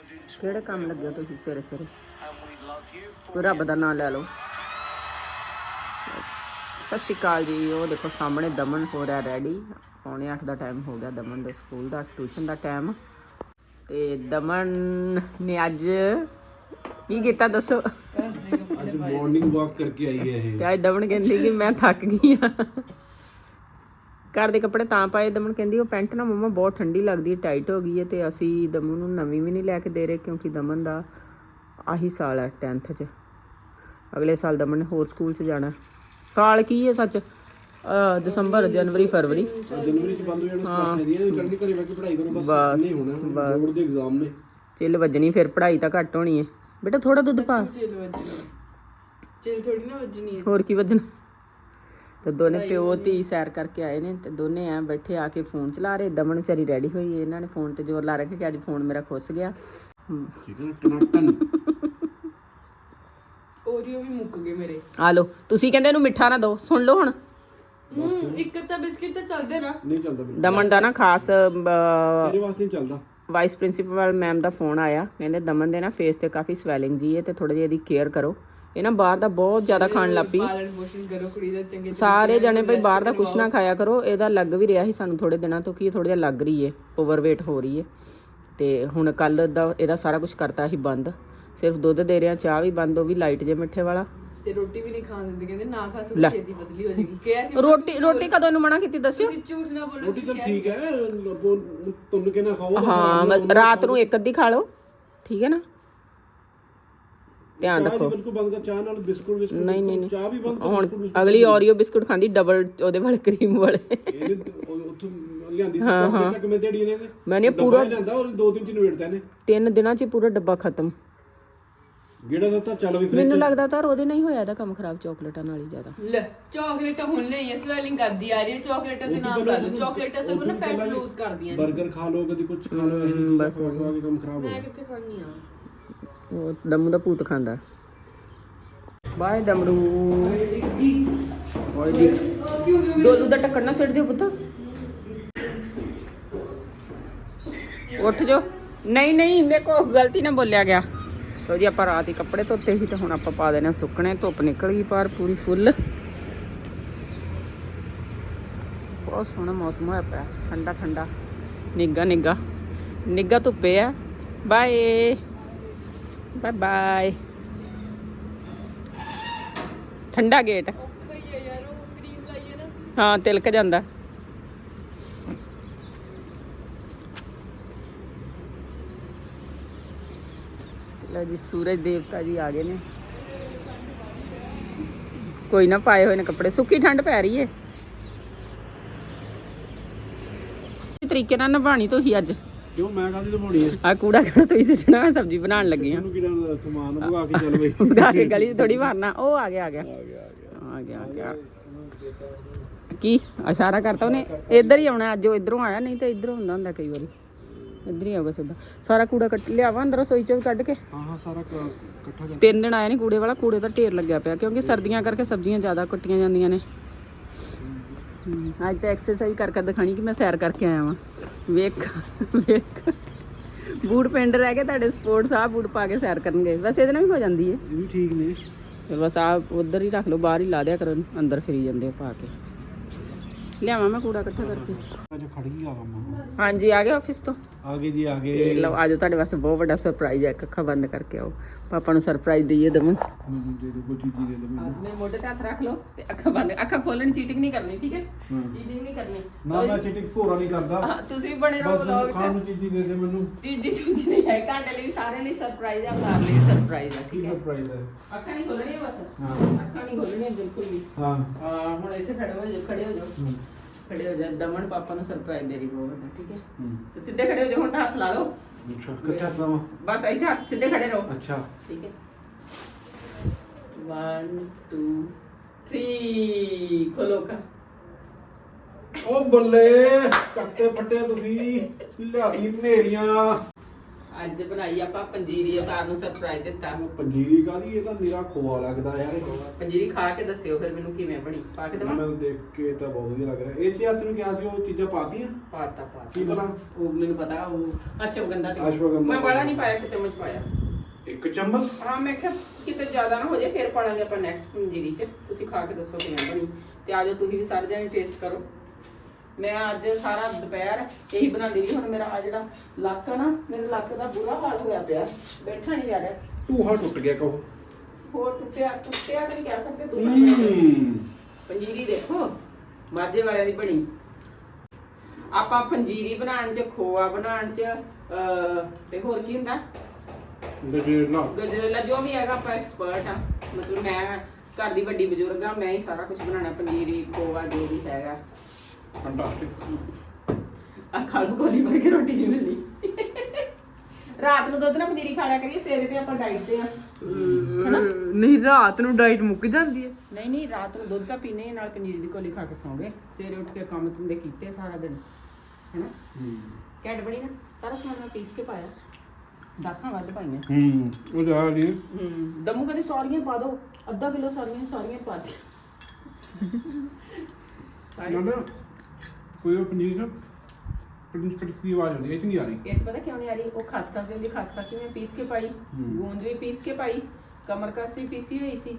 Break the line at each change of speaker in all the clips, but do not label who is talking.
ਕਿਹੜੇ ਕੰਮ ਲੱਗੇ ਤੁਸੀਂ ਸਵੇਰੇ ਸਵੇਰੇ? ਕੋਈ ਰੱਬ ਦਾ ਨਾਮ ਲੈ ਲਓ। ਸਤਿ ਸ਼੍ਰੀ ਅਕਾਲ ਜੀ। ਉਹ ਦੇਖੋ ਸਾਹਮਣੇ ਦਮਨ ਹੋ ਰਿਹਾ ਰੈਡੀ। 8:45 ਦਾ ਟਾਈਮ ਹੋ ਗਿਆ ਦਮਨ ਦੇ ਸਕੂਲ ਦਾ, ਟਿਊਸ਼ਨ ਦਾ ਟਾਈਮ। ਤੇ ਦਮਨ ਨੇ ਅੱਜ ਕੀ ਕੀਤਾ ਦੱਸੋ?
ਅੱਜ ਮਾਰਨਿੰਗ ਵਾਕ ਕਰਕੇ ਆਈ ਹੈ ਇਹ।
ਤੇ ਅੱਜ ਦਮਨ ਕਹਿੰਦੀ ਕਿ ਮੈਂ ਥੱਕ ਗਈ ਆ। ਘਰ ਦੇ ਕੱਪੜੇ ਤਾਂ ਪਾਏ। ਦਮਨ ਕਹਿੰਦੀ ਉਹ ਪੈਂਟ ਨਾ ਮੰਮਾ ਬਹੁਤ ਠੰਡੀ ਲੱਗਦੀ ਹੈ, ਟਾਈਟ ਹੋ ਗਈ ਹੈ। ਤੇ ਅਸੀਂ ਦਮਨ ਨੂੰ ਨਵੀਂ ਵੀ ਨਹੀਂ ਲੈ ਕੇ ਦੇ ਰਹੇ ਕਿਉਂਕਿ ਦਮਨ ਦਾ ਆਹੀ ਸਾਲ ਹੈ 10th 'ਚ। ਅਗਲੇ ਸਾਲ ਦਮਨ ਨੇ ਹੋਰ ਸਕੂਲ 'ਚ ਜਾਣਾ। ਸਾਲ ਕੀ ਹੈ ਸੱਚ, ਦਸੰਬਰ, ਜਨਵਰੀ, ਫਰਵਰੀ।
ਜਨਵਰੀ 'ਚ ਬੰਦ ਹੋ ਜਾਣਾ ਕਲਾਸਾਂ ਦੀਆਂ। ਕਰਨੀ ਘਰੇ ਬੈਠ ਕੇ ਪੜ੍ਹਾਈ ਕਰੋ ਬਸ। ਨਹੀਂ ਹੋਣਾ, ਬੋਰਡ ਦੇ ਐਗਜ਼ਾਮ ਨੇ। ਚਿੱਲ
ਵੱਜਣੀ, ਫਿਰ ਪੜ੍ਹਾਈ ਤਾਂ ਘੱਟ ਹੋਣੀ ਹੈ। ਬੇਟਾ ਥੋੜਾ ਦੁੱਧ ਪਾ।
ਚਿੱਲ ਥੋੜੀ ਨਾ ਵੱਜਣੀ ਹੈ,
ਹੋਰ ਕੀ ਵੱਜਣਾ। ਤੇ ਦੋਨੇ ਪਿਓ ਧੀ ਸੈਰ ਕਰਕੇ ਆਏ ਨੇ ਤੇ ਦੋਨੇ ਐ ਬੈਠੇ ਆ ਕੇ ਫੋਨ ਚਲਾ ਰਹੇ। ਦਮਨ ਵਿਚਾਰੀ ਰੈਡੀ ਹੋਈ ਹੈ। ਇਹਨਾਂ ਨੇ ਫੋਨ ਤੇ ਜ਼ੋਰ ਲਾ ਰੱਖਿਆ ਕਿ ਅੱਜ ਫੋਨ ਮੇਰਾ ਖੁੱਸ ਗਿਆ।
ਓਰੀਓ ਵੀ ਮੁੱਕ ਗਏ ਮੇਰੇ।
ਆ ਲੋ, ਤੁਸੀਂ ਕਹਿੰਦੇ ਇਹਨੂੰ ਮਿੱਠਾ ਨਾ ਦਿਓ। ਸੁਣ ਲਓ ਹੁਣ।
ਇੱਕ ਤਾਂ ਬਿਸਕਿਟ ਤਾਂ ਚੱਲਦੇ ਨਾ।
ਨਹੀਂ ਚੱਲਦਾ
ਦਮਨ ਦਾ ਨਾ ਖਾਸ
ਤੇਰੇ ਵਾਸਤੇ ਨਹੀਂ ਚੱਲਦਾ।
ਵਾਈਸ ਪ੍ਰਿੰਸੀਪਲ ਮੈਮ ਦਾ ਫੋਨ ਆਇਆ। ਕਹਿੰਦੇ ਦਮਨ ਦੇ ਨਾ ਫੇਸ ਤੇ ਕਾਫੀ ਸਵੈਲਿੰਗ ਜੀ ਹੈ ਤੇ ਥੋੜਾ ਜਿਹਾ ਇਹਦੀ ਕੇਅਰ ਕਰੋ। ਇਹ ਨਾ ਬਾਹਰ ਦਾ ਬਹੁਤ ਜ਼ਿਆਦਾ ਖਾਣ ਲੱਗ ਪਈ।
ਪਾਲਣ ਪੋਸ਼ਣ ਕਰੋ ਕੁੜੀ ਦਾ ਚੰਗੇ।
ਸਾਰੇ ਜਣੇ ਭਾਈ ਬਾਹਰ ਦਾ ਕੁਛ ਨਾ ਖਾਇਆ ਕਰੋ। ਇਹਦਾ ਲੱਗ ਵੀ ਰਿਹਾ ਸੀ ਸਾਨੂੰ ਥੋੜੇ ਦਿਨਾਂ ਤੋਂ ਕਿ ਇਹ ਥੋੜਾ ਜਿਹਾ ਲੱਗ ਰਹੀ ਹੈ, ਓਵਰਵੇਟ ਹੋ ਰਹੀ ਹੈ। ਤੇ ਹੁਣ ਕੱਲ ਦਾ ਇਹਦਾ ਸਾਰਾ ਕੁਝ ਕਰਤਾ ਸੀ ਬੰਦ। ਸਿਰਫ ਦੁੱਧ ਦੇ ਰਿਹਾ, ਚਾਹ ਵੀ ਬੰਦ, ਉਹ ਵੀ ਲਾਈਟ ਜੇ ਮਿੱਠੇ ਵਾਲਾ।
ਤੇ ਰੋਟੀ ਵੀ ਨਹੀਂ ਖਾਣ ਦਿੰਦੇ, ਕਹਿੰਦੇ ਨਾ ਖਾ ਸਕੋ ਛੇਤੀ ਪਤਲੀ ਹੋ ਜਾਏਗੀ। ਕਿਹਾ ਸੀ
ਰੋਟੀ ਕਦੋਂ ਨੂੰ ਮਨਾ ਕੀਤੀ ਦੱਸਿਓ?
ਤੁਸੀਂ ਝੂਠ ਨਾ ਬੋਲੋ।
ਰੋਟੀ ਤਾਂ ਠੀਕ ਹੈ, ਤੁਹਾਨੂੰ ਕਿਹਨਾਂ ਖਾਓ।
ਹਾਂ ਰਾਤ ਨੂੰ ਇੱਕ ਅੱਧੀ ਖਾ ਲਓ, ਠੀਕ ਹੈ ਨਾ। ਧਿਆਨ ਰੱਖੋ।
ਬਿਲਕੁਲ ਬੰਦ ਕਰ। ਚਾਹ ਨਾਲ ਬਿਸਕੁਟ
ਨਹੀਂ
ਚਾਹ ਵੀ ਬੰਦ।
ਹੁਣ ਅਗਲੀ ਓਰੀਓ ਬਿਸਕੁਟ ਖਾਂਦੀ ਡਬਲ ਉਹਦੇ ਵਾਲੇ ਕਰੀਮ ਵਾਲੇ।
ਇਹਨੇ ਉੱਥੋਂ ਲਿਆਂਦੀ ਸੀ ਕੰਮ ਤੱਕ ਮੈਂ ਦੇੜੀ ਨੇ।
ਮੈਨੇ ਪੂਰਾ
ਲਿਆਂਦਾ ਔਰ 2 ਦਿਨ ਚ ਨਵੇੜਦਾ ਨੇ।
3 ਦਿਨਾਂ ਚ ਪੂਰਾ ਡੱਬਾ ਖਤਮ।
ਗੇੜਾ ਦਾ ਤਾਂ ਚੱਲ ਵੀ ਫਿਰ।
ਮੈਨੂੰ ਲੱਗਦਾ ਤਾਂ ਉਹਦੇ ਨਾਲ ਹੀ ਹੋਇਆ ਇਹਦਾ ਕੰਮ ਖਰਾਬ, ਚਾਕਲੇਟਾਂ ਨਾਲ ਹੀ ਜ਼ਿਆਦਾ।
ਲੈ ਚਾਕਲੇਟਾਂ ਹੁਣ ਲਈ ਸਵੈਲਿੰਗ ਕਰਦੀ ਆ ਰਹੀ ਹੈ। ਚਾਕਲੇਟਾਂ ਦੇ ਨਾਮ ਲਾ ਦੋ। ਚਾਕਲੇਟਾਂ ਸਗੋਂ ਨਾ ਫੈਟ ਲੂਜ਼ ਕਰਦੀਆਂ ਨੇ।
버ਗਰ ਖਾ ਲਓ, ਕਦੀ ਕੁਝ ਖਾ ਲਓ, ਇਹ ਬਸ ਖਾ ਕੇ ਕੰਮ ਖਰਾਬ ਹੋ
ਮੈਂ ਕਿੱਥੇ ਖਾਣੀ ਆ।
ਉਹ ਦਮੂ ਦਾ ਭੂਤ ਖਾਂਦਾ। ਬਾਏ ਦਮਰੂ। ਓਏ ਦੀ ਡੋਲੂ ਦਾ ਟੱਕਰ ਨਾ ਸਿੱਟ ਦਿਓ ਪੁੱਤ। ਉੱਠ ਜੋ। ਨਹੀਂ ਮੇਰੇ ਕੋ ਗਲਤੀ ਨਾਲ ਬੋਲਿਆ ਗਿਆ। ਲੋ ਜੀ ਆਪਾਂ ਰਾਤ ਹੀ ਕੱਪੜੇ ਧੋਤੇ ਸੀ ਤੇ ਹੁਣ ਆਪਾਂ ਪਾ ਦੇਣੇ ਸੁੱਕਣੇ। ਧੁੱਪ ਨਿਕਲ ਗਈ ਪਰ ਪੂਰੀ ਫੁੱਲ। ਬਹੁਤ ਸੋਹਣਾ ਮੌਸਮ ਹੋਇਆ ਪਿਆ, ਠੰਡਾ ਠੰਡਾ, ਨਿੱਘਾ ਧੁੱਪੇ ਆ। Bye bye bye. ਠੰਡਾ ਗੇਟ। ਹਾਂ ਤਿਲਕ ਜਾਂਦਾ। ਲਓ ਜੀ ਸੂਰਜ ਦੇਵਤਾ ਜੀ ਆ ਗਏ ਨੇ। ਕੋਈ ਨਾ ਪਾਏ ਹੋਏ ਨੇ ਕੱਪੜੇ। ਸੁੱਕੀ ਠੰਡ ਪੈ ਰਹੀ ਏ। ਤਰੀਕੇ ਨਾਲ ਨਿਭਾਣੀ ਤੁਸੀਂ ਅੱਜ।
ਕਿਉਂ ਮੈਂ ਕਾਹਦੀ ਲਵਾਉਣੀ ਹੈ?
ਆ ਕੂੜਾ ਕਿਹੜਾ ਤੁਸੀਂ ਸਿੱਟਣਾ? ਮੈਂ ਸਬਜ਼ੀ ਬਣਾਉਣ ਲੱਗੀ ਆ।
ਇਹਨੂੰ ਕਿਹੜਾ ਸਮਾਨ ਭਗਾ ਕੇ ਚੱਲ ਬਈ।
ਭਗਾ ਕੇ ਗਲੀ 'ਚ ਥੋੜੀ ਮਾਰਨਾ। ਉਹ ਆ ਗਿਆ ਕੀ ਇਸ਼ਾਰਾ ਕਰਤਾ ਉਹਨੇ? ਇੱਧਰ ਹੀ ਆਉਣਾ ਅੱਜ। ਉਹ ਇੱਧਰੋਂ ਆਇਆ, ਨਹੀਂ ਤਾਂ ਇੱਧਰੋਂ ਹੁੰਦਾ ਕਈ ਵਾਰੀ। ਇੱਧਰ ਹੀ ਆਊਗਾ ਸਿੱਧਾ। ਸਾਰਾ ਕੂੜਾ ਕੱਟ ਲਿਆਵਾ ਅੰਦਰ ਰਸੋਈ 'ਚ ਵੀ ਕੱਢ ਕੇ।
ਹਾਂ ਸਾਰਾ ਇਕੱਠਾ ਕਰ।
3 ਦਿਨ ਆਇਆ ਨਹੀਂ ਕੂੜੇ ਵਾਲਾ। ਕੂੜੇ ਦਾ ਢੇਰ ਲੱਗਿਆ ਪਿਆ ਕਿਉਂਕਿ ਸਰਦੀਆਂ ਕਰਕੇ ਸਬਜ਼ੀਆਂ ਜ਼ਿਆਦਾ ਕੱਟੀਆਂ ਜਾਂਦੀਆਂ ਨੇ। ਅੱਜ ਤਾਂ ਐਕਸਰਸਾਈਜ਼ ਕਰ ਦਿਖਾਣੀ ਕਿ ਮੈਂ ਸੈਰ ਕਰਕੇ ਆਇਆ ਵਾਂ। ਵੇਖ ਬੂਟ ਪਿੰਡ ਰਹਿ ਗਏ ਤੁਹਾਡੇ ਸਪੋਰਟਸ। ਆ ਬੂਟ ਪਾ ਕੇ ਸੈਰ ਕਰਨਗੇ। ਵੈਸੇ ਇਹਦੇ ਨਾਲ ਵੀ ਹੋ ਜਾਂਦੀ ਹੈ।
ਇਹ ਵੀ ਠੀਕ ਨੇ।
ਤੇ ਬਸ ਆ ਉਧਰ ਹੀ ਰੱਖ ਲਓ, ਬਾਹਰ ਹੀ ਲਾ ਦਿਆ ਕਰਨ। ਅੰਦਰ ਫਿਰੀ ਜਾਂਦੇ ਪਾ ਕੇ। ਲਿਆਵਾਂ ਮੈਂ ਕੂੜਾ ਇਕੱਠਾ ਕਰਕੇ।
ਅੱਜ ਖੜ ਗਈ ਆ ਕੰਮ।
ਹਾਂਜੀ ਆ ਗਏ ਆਫਿਸ ਤੋਂ।
ਆ ਗਏ ਜੀ ਆ ਗਏ।
ਤੇ ਲਓ ਆਜੋ, ਤੁਹਾਡੇ ਵਾਸਤੇ ਬਹੁਤ ਵੱਡਾ ਸਰਪ੍ਰਾਈਜ਼ ਹੈ। ਅੱਖਾਂ ਬੰਦ ਕਰਕੇ ਆਓ, ਪਾਪਾ ਨੂੰ ਸਰਪ੍ਰਾਈਜ਼ ਦਈਏ ਦਮਨ।
ਮੈਨੂੰ ਦੇ ਦੋ ਕੋਈ ਚੀਜ਼ ਦੇ ਦੋ ਮੈਨੂੰ।
ਆਪਣੇ ਮੋਢੇ ਤੇ ਹੱਥ ਰੱਖ ਲਓ ਤੇ ਅੱਖਾਂ ਬੰਦ। ਅੱਖਾਂ ਖੋਲਣ, ਚੀਟਿੰਗ ਨਹੀਂ ਕਰਨੀ, ਠੀਕ ਹੈ? ਚੀਟਿੰਗ ਨਹੀਂ ਕਰਨੀ।
ਨਾ ਮੈਂ ਚੀਟਿੰਗ ਭੋਰਾ ਨਹੀਂ ਕਰਦਾ।
ਤੁਸੀਂ ਬਣੇ ਰਹੋ ਵਲੌਗ 'ਚ।
ਖਾਣ ਨੂੰ ਚੀਜ਼ ਦੇ ਦੇ ਮੈਨੂੰ।
ਚੀਜ਼ੀ ਨਹੀਂ ਹੈ ਤੁਹਾਡੇ ਲਈ, ਸਾਰਿਆਂ ਲਈ ਸਰਪ੍ਰਾਈਜ਼ ਆ। ਮਾਰ ਲਈ ਸਰਪ੍ਰਾਈਜ਼ ਆ, ਠੀਕ ਹੈ?
ਸਰਪ੍ਰਾਈਜ਼ ਹੈ।
ਅੱਖਾਂ ਨਹੀਂ ਖੋਲਣੀਆਂ ਬਸ।
ਹਾਂ
ਅੱਖਾਂ ਨਹੀਂ ਖੋਲਣੀਆਂ ਬਿਲਕੁਲ ਵੀ।
ਹਾਂ
ਹੁਣ ਇੱਥੇ ਖੜੇ ਹੋ ਜਾਓ, ਖੜੇ ਹੋ ਜਾਓ। ਦਮਨ ਪਾਪਾ ਨੂੰ ਸਰਪ੍ਰਾਈਜ਼ ਦੇ ਰਹੀ ਬਹੁਤ ਵੱਡਾ, ਠੀਕ ਹੈ? ਤੇ ਸਿੱਧੇ ਖੜੇ ਹੋ ਜਾਓ। ਹੁਣ ਤਾਂ ਹੱਥ ਲਾ ਲਓ।
ਅੱਛਾ ਕਿੱਥੇ ਚਲਾਵਾਂ?
ਬਸ ਇੱਥੇ ਹੱਥ ਸਿੱਧੇ ਖੜੇ ਰਹੋ।
ਅੱਛਾ
ਠੀਕ ਹੈ। 1 2 3 ਖੋਲੋ ਅੱਖਾਂ।
ਉਹ ਬੱਲੇ ਕੱਟੇ ਫੱਟੇ ਤੁਸੀਂ ਲਿਆਦੀ ਨੇਰੀਆਂ।
ਅੱਜ ਬਣਾਈ ਆਪਾਂ ਪੰਜੀਰੀ। ਅਵਤਾਰ ਨੂੰ ਸਰਪ੍ਰਾਈਜ਼ ਦਿੱਤਾ।
ਪੰਜੀਰੀ ਕਾਦੀ? ਇਹ ਤਾਂ ਨਿਰਾ ਖੋਆ ਲੱਗਦਾ ਯਾਰ।
ਪੰਜੀਰੀ ਖਾ ਕੇ ਦੱਸਿਓ ਫਿਰ ਮੈਨੂੰ ਕਿਵੇਂ ਬਣੀ। ਪਾ ਕੇ ਦੇਵਾਂ?
ਮੈਨੂੰ ਦੇਖ ਕੇ ਤਾਂ ਬਹੁਤ ਵਧੀਆ ਲੱਗ ਰਿਹਾ। ਇਹ ਚ ਤੈਨੂੰ ਕਿਹਾ ਸੀ ਉਹ ਚੀਜ਼ਾਂ ਪਾਤੀਆਂ?
ਪਾਤਾ
ਕੀ ਪਤਾ
ਉਹ ਮੈਨੂੰ ਪਤਾ ਉਹ ਅਸ਼ਵਗੰਧਾ ਤੇ
ਅਸ਼ਵਗੰਧਾ
ਮੈਂ ਵਾਲਾ ਨਹੀਂ ਪਾਇਆ, 1 ਚਮਚ ਪਾਇਆ।
1 ਚਮਚ?
ਹਾਂ ਮੈਂ ਕਿਹਾ ਕਿਤੇ ਜ਼ਿਆਦਾ ਨਾ ਹੋ ਜਾਏ, ਫਿਰ ਪਾਲਾਂਗੇ ਆਪਾਂ ਨੈਕਸਟ ਪੰਜੀਰੀ 'ਚ। ਤੁਸੀਂ ਖਾ ਕੇ ਦੱਸੋ ਕਿਵੇਂ ਬਣੀ, ਤੇ ਆਜੋ ਤੁਸੀਂ ਵੀ ਸਾਰੇ ਜਣੇ ਟੇਸਟ ਕਰੋ। ਮੈਂ ਅੱਜ ਸਾਰਾ ਦੁਪਹਿਰ ਇਹੀ ਬਣਾਉਂਦੀ ਰਹੀ। ਹੁਣ ਮੇਰਾ ਆ ਜਿਹੜਾ ਲੱਕ ਆ ਨਾ, ਮੇਰੇ ਲੱਕ ਦਾ ਬੁਰਾ ਹਾਲ ਹੋਇਆ ਪਿਆ, ਬੈਠਾ ਨਹੀਂ ਜਾ ਰਿਹਾ।
ਟੂਹਾ ਟੁੱਟ ਗਿਆ ਕਹੋ।
ਹੋਰ ਟੁੱਟਿਆ ਨਹੀਂ ਕਹਿ ਸਕਦੇ ਤੁਸੀਂ। ਪੰਜੀਰੀ ਦੇਖੋ ਮਾਝੇ ਵਾਲਿਆਂ ਦੀ ਬਣੀ। ਆਪਾਂ ਪੰਜੀਰੀ ਬਣਾਉਣ 'ਚ, ਖੋਆ ਬਣਾਉਣ 'ਚ ਤੇ ਹੋਰ ਕੀ ਹੁੰਦਾ, ਗਜਰੇਲਾ ਜੋ ਵੀ ਹੈਗਾ, ਆਪਾਂ ਐਕਸਪਰਟ ਆ। ਮਤਲਬ ਮੈਂ ਘਰ ਦੀ ਵੱਡੀ ਬਜ਼ੁਰਗ ਆ, ਮੈਂ ਹੀ ਸਾਰਾ ਕੁਝ ਬਣਾਉਣਾ, ਪੰਜੀਰੀ ਖੋਆ ਜੋ ਵੀ ਹੈਗਾ।
ਫੈਂਟਾਸਟਿਕ।
ਆ ਖਾ ਲਓ, ਕੋਲੀ ਭਰ ਕੇ ਰੋਟੀ ਨਹੀਂ ਮਿਲਦੀ। ਰਾਤ ਨੂੰ ਦੁੱਧ ਨਾਲ ਪੰਜੀਰੀ ਖਾ ਲਿਆ ਕਰੀਏ, ਸਵੇਰੇ ਤੇ ਆਪਾਂ ਡਾਈਟ ਤੇ ਆ ਹਨਾ।
ਨਹੀਂ ਰਾਤ ਨੂੰ ਡਾਈਟ ਮੁੱਕ ਜਾਂਦੀ ਹੈ।
ਨਹੀਂ ਰਾਤ ਨੂੰ ਦੁੱਧ ਤਾਂ ਪੀਨੇ, ਨਾਲ ਪੰਜੀਰੀ ਦੀ ਕੋਲੀ ਖਾ ਕੇ ਸੌਂਗੇ, ਸਵੇਰੇ ਉੱਠ ਕੇ ਕੰਮ ਧੰਦੇ ਕੀਤੇ ਸਾਰਾ ਦਿਨ ਹੈਨਾ। ਘੈਂਟ ਬਣੀ ਨਾ, ਸਾਰਾ ਸਮਾਨ ਮੈਂ ਪੀਸ ਕੇ ਪਾਇਆ, ਦਾਖਾਂ ਵੱਧ ਪਾਈਆਂ।
ਉਹ ਜਾ ਰਹੀ
ਦਮੂ ਕਹਿੰਦੇ ਸਾਰੀਆਂ ਪਾ ਦੋ, ਅੱਧਾ ਕਿਲੋ ਸਾਰੀਆਂ ਪਾ ਦੇ।
ਨਾ ਕੋਈ ਉਹ ਪਨੀਰ ਨਾ ਕਟਕ ਦੀ ਆਵਾਜ਼ ਆਉਂਦੀ ਹੈ, ਇਹ ਨਹੀਂ ਆ ਰਹੀ।
ਇਹ 'ਚ ਪਤਾ ਕਿਉਂ ਨਹੀਂ ਆ ਰਹੀ, ਉਹ ਖਸਖਸ ਦੀ ਖਸਖਸ ਵੀ ਮੈਂ ਪੀਸ ਕੇ ਪਾਈ, ਗੂੰਦ ਵੀ ਪੀਸ ਕੇ ਪਾਈ, ਕਮਰਕਸ ਵੀ ਪੀਸੀ ਹੋਈ ਸੀ।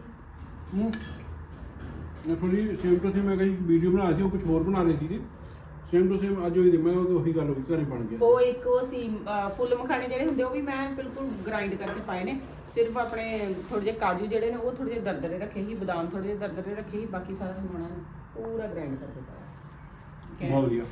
ਮੈਂ ਥੋੜੀ ਸੇਮ ਟੂ ਸੇਮ ਮੈਂ ਕਈ ਵੀਡੀਓ ਬਣਾ ਸੀ, ਉਹ ਕੁਝ ਹੋਰ ਬਣਾ ਰਹੇ ਸੀਗੇ। ਸੇਮ ਟੂ ਸੇਮ ਅੱਜ ਹੋਈ, ਮੈਂ ਉਹੀ ਗੱਲ ਹੋ ਗਈ, ਘਰੇ ਬਣ ਗਿਆ।
ਉਹ ਇੱਕ ਉਹ ਸੀ ਫੁੱਲ ਮਖਾਣੇ ਜਿਹੜੇ ਹੁੰਦੇ, ਉਹ ਵੀ ਮੈਂ ਬਿਲਕੁਲ ਗ੍ਰਾਈਂਡ ਕਰਕੇ ਪਾਏ ਨੇ। ਸਿਰਫ ਆਪਣੇ ਥੋੜੇ ਜਿਹੇ ਕਾਜੂ ਜਿਹੜੇ ਨੇ ਉਹ ਥੋੜੇ ਜਿਹੇ ਦਰਦਰੇ ਰੱਖੇ ਸੀ, ਬਦਾਮ ਥੋੜੇ ਜਿਹੇ ਦਰਦਰੇ ਰੱਖੇ ਸੀ, ਬਾਕੀ ਸਾਰਾ ਸਮਾਨ ਪੂਰਾ ਗ੍ਰਾਈਂਡ ਕਰਕੇ ਪਾਇਆ।
ਬਹੁਤ ਵਧੀਆ।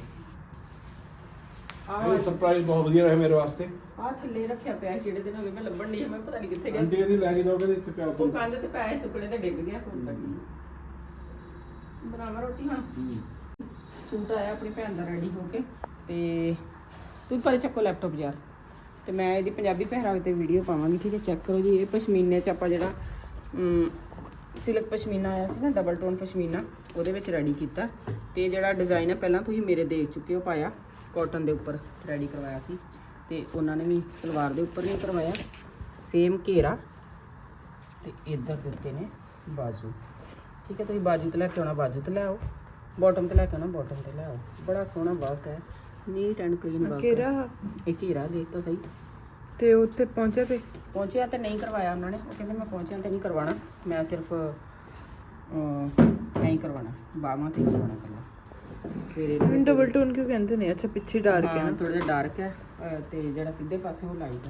ਇਹ ਸਰਪ੍ਰਾਈਜ਼ ਬਹੁਤ ਵਧੀਆ ਰਿਹਾ ਮੇਰੇ ਵਾਸਤੇ।
ਆ ਥੱਲੇ ਰੱਖਿਆ ਪਿਆ ਜਿਹੜੇ ਦਿਨ ਹੋ ਗਏ, ਮੈਂ ਲੱਭਣ ਨਹੀਂ, ਮੈਂ ਪਤਾ ਨਹੀਂ ਕਿੱਥੇ ਗਿਆ।
ਆਂਟੀ ਇਹਦੀ ਲੈ ਕੇ ਜਾਓਗੇ ਇੱਥੇ ਪਿਆ
ਉਹ ਕੰਧ ਤੇ ਪਿਆ, ਸੁੱਕਣੇ ਤੇ ਡਿੱਗ ਗਿਆ। ਹੁਣ ਤੱਕ ਬਣਾਵਾਂ ਰੋਟੀ ਹੁਣ। ਸੂਟ ਆਇਆ ਆਪਣੀ ਭੈਣ ਦਾ ਰੈਡੀ ਹੋ ਕੇ, ਤੇ ਤੁਸੀਂ ਪਰ ਚੱਕੋ ਲੈਪਟਾਪ ਯਾਰ, ਤੇ ਮੈਂ ਇਹਦੀ ਪੰਜਾਬੀ ਪਹਿਰਾਵੇ ਤੇ ਵੀਡੀਓ ਪਾਵਾਂਗੀ, ਠੀਕ ਹੈ। ਚੈੱਕ ਕਰੋ ਜੀ, ਇਹ ਪਸ਼ਮੀਨੇ 'ਚ ਆਪਾਂ ਜਿਹੜਾ ਸਿਲਕ ਪਸ਼ਮੀਨਾ ਆਇਆ ਸੀ ਨਾ, ਡਬਲ ਟੋਨ ਪਸ਼ਮੀਨਾ, ਉਹਦੇ ਵਿੱਚ ਰੈਡੀ ਕੀਤਾ। ਤੇ ਜਿਹੜਾ ਡਿਜ਼ਾਈਨ ਹੈ ਪਹਿਲਾਂ ਤੁਸੀਂ ਮੇਰੇ ਦੇਖ ਚੁੱਕੇ ਹੋ, ਪਾਇਆ ਕਾਟਨ ਦੇ ਉੱਪਰ ਰੈਡੀ ਕਰਵਾਇਆ ਸੀ, ਤੇ ਉਹਨਾਂ ਨੇ ਵੀ ਸਲਵਾਰ ਦੇ ਉੱਪਰ ਨਹੀਂ ਕਰਵਾਇਆ। ਸੇਮ ਘੇਰਾ ਤੇ ਇੱਧਰ ਦਿੱਤੇ ਨੇ ਬਾਜੂ, ਠੀਕ ਹੈ। ਤੁਸੀਂ ਬਾਜੂ ਤੇ ਲੈ ਕੇ ਆਉਣਾ, ਬਾਜੂ ਤੇ ਲੈ ਆਓ, ਬਾਟਮ ਤੇ ਲੈ ਕੇ ਆਉਣਾ, ਬਾਟਮ ਤੇ ਲੈ ਆਓ। ਬੜਾ ਸੋਹਣਾ ਵਰਕ ਹੈ, ਨੀਟ ਐਂਡ ਕਲੀਨ ਵਰਕ।
ਘੇਰਾ
ਇਹ ਘੇਰਾ ਦੇਖ ਤਾਂ ਸਹੀ।
ਤੇ ਉੱਥੇ
ਪਹੁੰਚਿਆ ਤੇ ਨਹੀਂ ਕਰਵਾਇਆ ਉਹਨਾਂ ਨੇ, ਉਹ ਕਹਿੰਦੇ ਮੈਂ ਪਹੁੰਚਿਆ ਤੇ ਨਹੀਂ ਕਰਵਾਉਣਾ, ਮੈਂ ਸਿਰਫ ਨਹੀਂ ਕਰਵਾਉਣਾ, ਬਾਹਾਂ ਤੇ ਕਰਵਾਉਣਾ ਕਰਨਾ। ਸਵੇਰੇ
ਡਬਲ ਟੋਨ ਕਿਉਂ ਕਹਿੰਦੇ ਨੇ? ਅੱਛਾ ਪਿੱਛੇ ਡਾਰਕ ਹੈ ਨਾ,
ਥੋੜਾ ਜਿਹਾ ਡਾਰਕ ਹੈ, ਤੇ ਜਿਹੜਾ ਸਿੱਧੇ ਪਾਸੇ ਉਹ ਲਾਈਟ ਹੈ।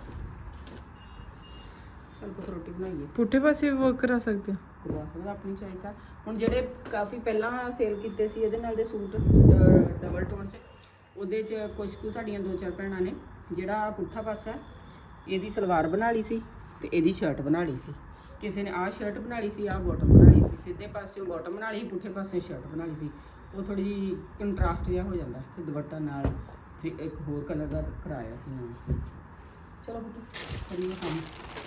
ਚਲ ਕੋ ਰੋਟੀ ਬਣਾਈਏ।
ਪੁੱਠੇ ਪਾਸੇ ਵਰਕ ਕਰਾ ਸਕਦੇ ਹੋ,
ਕਰਵਾ ਸਕਦਾ, ਆਪਣੀ ਚੋਇਸ ਆ। ਹੁਣ ਜਿਹੜੇ ਕਾਫੀ ਪਹਿਲਾਂ ਸੇਲ ਕੀਤੇ ਸੀ ਇਹਦੇ ਨਾਲ ਦੇ ਸੂਟ ਡਬਲ ਟੋਨ 'ਚ, ਉਹਦੇ 'ਚ ਕੁਛ ਕੁ ਸਾਡੀਆਂ 2-4 ਭੈਣਾਂ ਨੇ ਜਿਹੜਾ ਪੁੱਠਾ ਪਾਸਾ ਇਹਦੀ ਸਲਵਾਰ ਬਣਾ ਲਈ ਸੀ, ਤੇ ਇਹਦੀ ਸ਼ਰਟ ਬਣਾ ਲਈ ਸੀ। ਕਿਸੇ ਨੇ ਆਹ ਸ਼ਰਟ ਬਣਾ ਲਈ ਸੀ, ਆਹ ਬਾਟਮ ਬਣਾ ਲਈ ਸੀ, ਸਿੱਧੇ ਪਾਸਿਓਂ ਬਾਟਮ ਬਣਾ ਲਈ, ਪੁੱਠੇ ਪਾਸੇ ਸ਼ਰਟ ਬਣਾ ਲਈ ਸੀ। ਉਹ ਥੋੜੀ ਜਿਹੀ ਕੰਟਰਾਸਟ ਜਿਹਾ ਹੋ ਜਾਂਦਾ, ਤੇ ਦੁਪੱਟਾ ਨਾਲ ਇੱਕ ਹੋਰ ਕਲਰ ਦਾ ਕਰਾਇਆ ਸੀ ਨਾਲ। ਚਲੋ ਕਰੀਏ ਕੰਮ।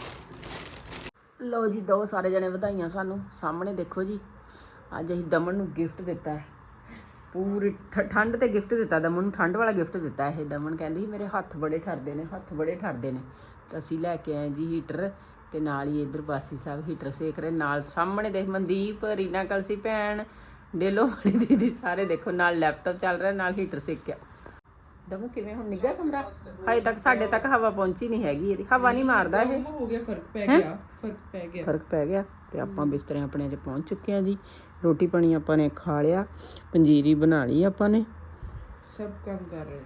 ਲਓ ਜੀ, ਦੋ ਸਾਰੇ ਜਣੇ ਵਧਾਈਆਂ ਸਾਨੂੰ। ਸਾਹਮਣੇ ਦੇਖੋ ਜੀ, ਅੱਜ ਅਸੀਂ ਦਮਨ ਨੂੰ ਗਿਫਟ ਦਿੱਤਾ ਹੈ, ਪੂਰੀ ਠੰਡ ਤੇ ਗਿਫਟ ਦਿੱਤਾ ਦਮਨ ਨੂੰ, ਠੰਡ ਵਾਲਾ ਗਿਫਟ ਦਿੱਤਾ ਇਹ। ਦਮਨ ਕਹਿੰਦੀ ਸੀ ਮੇਰੇ ਹੱਥ ਬੜੇ ਠਰਦੇ ਨੇ, ਹੱਥ ਬੜੇ ਠਰਦੇ ਨੇ, ਤਾਂ ਅਸੀਂ ਲੈ ਕੇ ਆਏ ਜੀ ਹੀਟਰ, ਤੇ ਨਾਲ ਹੀ ਇੱਧਰ ਬਾਸੀ ਸਾਹਿਬ ਹੀਟਰ ਸੇਕ ਰਹੇ, ਨਾਲ ਸਾਹਮਣੇ ਦੇਖ ਮਨਦੀਪ, ਰੀਨਾ ਕਲਸੀ ਭੈਣ, ਡੇਲੋ ਵਾਲੀ ਦੀਦੀ, ਸਾਰੇ ਦੇਖੋ ਨਾਲ ਲੈਪਟਾਪ ਚੱਲ ਰਿਹਾ, ਨਾਲ ਹੀਟਰ ਸੇਕਿਆ। ਦਮੂ ਕਿਵੇਂ ਹੁਣ ਨਿੱਘਾ ਕਮਰਾ? ਹਜੇ ਤੱਕ ਸਾਡੇ ਤੱਕ ਹਵਾ ਪਹੁੰਚੀ ਨਹੀਂ ਹੈਗੀ, ਇਹਦੀ ਹਵਾ ਨਹੀਂ ਮਾਰਦਾ ਇਹ।
ਹੋ ਗਿਆ, ਫਰਕ ਪੈ ਗਿਆ।
ਤੇ ਆਪਾਂ ਬਿਸਤਰੇ ਆਪਣੇ 'ਚ ਪਹੁੰਚ ਚੁੱਕੇ ਹਾਂ ਜੀ। ਰੋਟੀ ਪਾਣੀ ਆਪਾਂ ਨੇ ਖਾ ਲਿਆ, ਪੰਜੀਰੀ ਬਣਾ ਲਈ ਆਪਾਂ ਨੇ,
ਸਭ ਕੰਮ ਕਰ ਰਹੇ।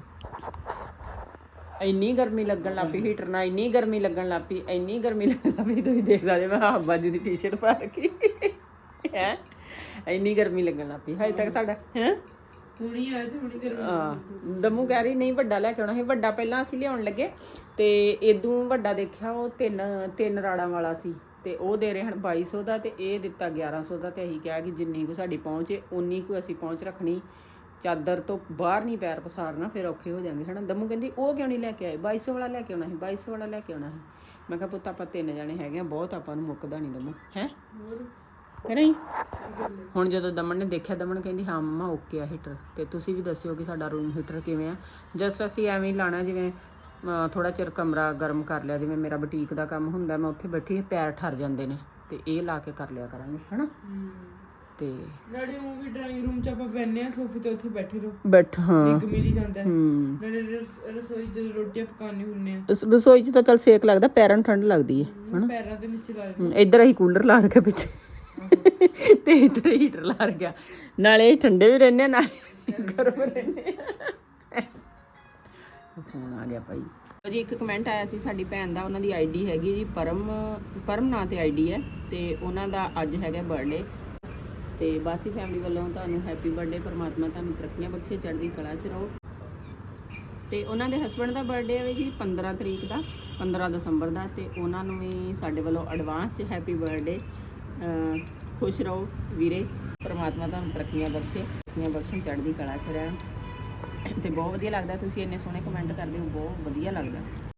ਇੰਨੀ ਗਰਮੀ ਲੱਗਣ ਲੱਗ ਪਈ ਹੀਟਰ ਨਾਲ, ਇੰਨੀ ਗਰਮੀ ਲੱਗਣ ਲੱਗ ਪਈ, ਇੰਨੀ ਗਰਮੀ ਲੱਗਣ ਲੱਗ ਪਈ, ਤੁਸੀਂ ਦੇਖ ਸਕਦੇ ਮੈਂ ਹਾਫ ਬਾਜੂ ਦੀ ਟੀ-ਸ਼ਰਟ ਪਾ ਰੱਖੀ ਹੈ, ਇੰਨੀ ਗਰਮੀ ਲੱਗਣ ਲੱਗ ਪਈ। ਹਜੇ ਤੱਕ ਸਾਡਾ ਹੈ
ਹੁਣੀ ਆਇਆ ਤੇ ਹੁਣੀ ਗਰਮੀ।
ਦਮੂ ਕਹਿ ਰਹੀ ਨਹੀਂ ਵੱਡਾ ਲੈ ਕੇ ਆਉਣਾ ਸੀ। ਵੱਡਾ ਪਹਿਲਾਂ ਅਸੀਂ ਲਿਆਉਣ ਲੱਗੇ, ਤੇ ਇਦੋਂ ਵੱਡਾ ਦੇਖਿਆ ਉਹ ਤਿੰਨ ਰਾੜਾਂ ਵਾਲਾ ਸੀ, ਤੇ ਉਹ ਦੇ ਰਹੇ ਹਨ 2200 ਦਾ, ਤੇ ਇਹ ਦਿੱਤਾ 1100 ਦਾ। ਤੇ ਅਸੀਂ ਕਿਹਾ ਕਿ ਜਿੰਨੀ ਕੁ ਸਾਡੀ ਪਹੁੰਚ ਹੈ ਉਨੀ ਕੁ ਅਸੀਂ ਪਹੁੰਚ ਰੱਖਣੀ, ਚਾਦਰ ਤੋਂ ਬਾਹਰ ਨਹੀਂ ਪੈਰ ਪਸਾਰਨਾ, ਫਿਰ ਔਖੇ ਹੋ ਜਾਣਗੇ ਹੈ ਨਾ। ਦਮੂ ਕਹਿੰਦੀ ਉਹ ਕਿਉਂ ਨਹੀਂ ਲੈ ਕੇ ਆਏ, 2200 ਵਾਲਾ ਲੈ ਕੇ ਆਉਣਾ ਸੀ, 2200 ਵਾਲਾ ਲੈ ਕੇ ਆਉਣਾ ਸੀ। ਮੈਂ ਕਿਹਾ ਪੁੱਤ ਆਪਾਂ 3 ਜਣੇ ਹੈਗੇ ਆ, ਬਹੁਤ ਆਪਾਂ ਨੂੰ ਮੁੱਕਦਾ ਨਹੀਂ ਦਮੂ ਹੈ ਕਿ ਨਹੀਂ। ਹੁਣ ਜਦੋਂ ਦਮਨ ਨੇ ਦੇਖਿਆ, ਦਮਨ ਕਹਿੰਦੀ ਹਾਂ ਮੰਮਾ ਓਕੇ ਆ ਹੀਟਰ। ਤੇ ਤੁਸੀਂ ਵੀ ਦੱਸਿਓ ਕਿ ਸਾਡਾ ਰੂਮ ਹੀਟਰ ਕਿਵੇਂ ਆ। ਜਸਟ ਅਸੀਂ ਐਵੇਂ ਹੀ ਲਾਣਾ, ਜਿਵੇਂ ਥੋੜਾ ਚਿਰ ਕਮਰਾ ਗਰਮ ਕਰ ਲਿਆ, ਜਿਵੇਂ ਮੇਰਾ ਬੁਟੀਕ ਦਾ ਕੰਮ ਹੁੰਦਾ, ਮੈਂ ਉੱਥੇ ਬੈਠੀ ਪੈਰ ਠਰ ਜਾਂਦੇ ਨੇ, ਤੇ ਇਹ ਲਾ ਕੇ ਕਰ ਲਿਆ ਕਰਾਂਗੇ ਹੈ ਨਾ। ਤੇ
ਨਾਲੇ ਉਹ ਵੀ ਡਰਾਇੰਗ ਰੂਮ ਚ ਆਪਾਂ ਬੈਠਨੇ ਆ ਸੋਫੇ ਤੇ ਉੱਥੇ ਬੈਠੇ ਰਹੋ
ਬੈਠ ਹਾਂ
ਇੱਕ ਮਿਲੀ ਜਾਂਦਾ ਹੈ।
ਹੂੰ
ਨਾਲੇ ਰਸੋਈ ਚ ਰੋਟੀਆਂ ਪਕਾਉਣੀ ਹੁੰਨੇ ਆ
ਰਸੋਈ 'ਚ ਤਾਂ ਚੱਲ ਸੇਕ ਲੱਗਦਾ, ਪੈਰਾਂ ਨੂੰ ਠੰਡ ਲੱਗਦੀ ਹੈ ਹਨਾ।
ਪੈਰਾਂ ਦੇ ਨੀਚੇ ਲਾ ਲੈਂਦੇ।
ਇੱਧਰ ਅਸੀਂ ਕੂਲਰ ਲਾ ਰੱਖਿਆ ਪਿੱਛੇ ਤੇ ਇੱਧਰ ਹੀਟਰ ਲਾ ਰੱਖਿਆ, ਨਾਲੇ ਠੰਡੇ ਵੀ ਰਹਿੰਦੇ ਆ ਨਾਲੇ ਗਰਮ ਰਹਿੰਦੇ ਆ। ਫੋਨ ਆ ਗਿਆ ਭਾਈ ਜੀ। ਇੱਕ ਕਮੈਂਟ ਆਇਆ ਸੀ ਸਾਡੀ ਭੈਣ ਦਾ, ਉਹਨਾਂ ਦੀ ਆਈਡੀ ਹੈਗੀ ਜੀ ਪਰਮ ਨਾਂ ਤੇ ਆਈਡੀ ਹੈ, ਤੇ ਉਹਨਾਂ ਦਾ ਅੱਜ ਹੈਗਾ ਬਰਥਡੇ। ਤੇ ਬਾਸੀ ਫੈਮਿਲੀ ਵੱਲੋਂ ਤੁਹਾਨੂੰ ਹੈਪੀ ਬਰਥਡੇ, ਪਰਮਾਤਮਾ ਤੁਹਾਨੂੰ ਤਰੱਕੀਆਂ ਬਖਸ਼ੇ, ਚੜ੍ਹਦੀ ਕਲਾ ਚ ਰਹੋ। ਤੇ ਉਹਨਾਂ ਦੇ ਹਸਬੰਡ ਦਾ ਬਰਥਡੇ ਹੈ ਜੀ 15 ਤਰੀਕ ਦਾ, 15 ਦਸੰਬਰ ਦਾ, ਤੇ ਉਹਨਾਂ ਨੂੰ ਵੀ ਸਾਡੇ ਵੱਲੋਂ ਐਡਵਾਂਸ 'ਚ ਹੈਪੀ ਬਰਥਡੇ। ਖੁਸ਼ ਰਹੋ ਵੀਰੇ, ਪਰਮਾਤਮਾ ਤੁਹਾਨੂੰ ਤਰੱਕੀਆਂ ਬਖਸ਼ੇ, ਚੜ੍ਹਦੀ ਕਲਾ 'ਚ ਰਹਿਣ। ਤੇ ਬਹੁਤ ਵਧੀਆ ਲੱਗਦਾ, ਤੁਸੀਂ ਇੰਨੇ ਸੋਹਣੇ ਕਮੈਂਟ ਕਰਦੇ ਹੋ, ਬਹੁਤ ਵਧੀਆ ਲੱਗਦਾ।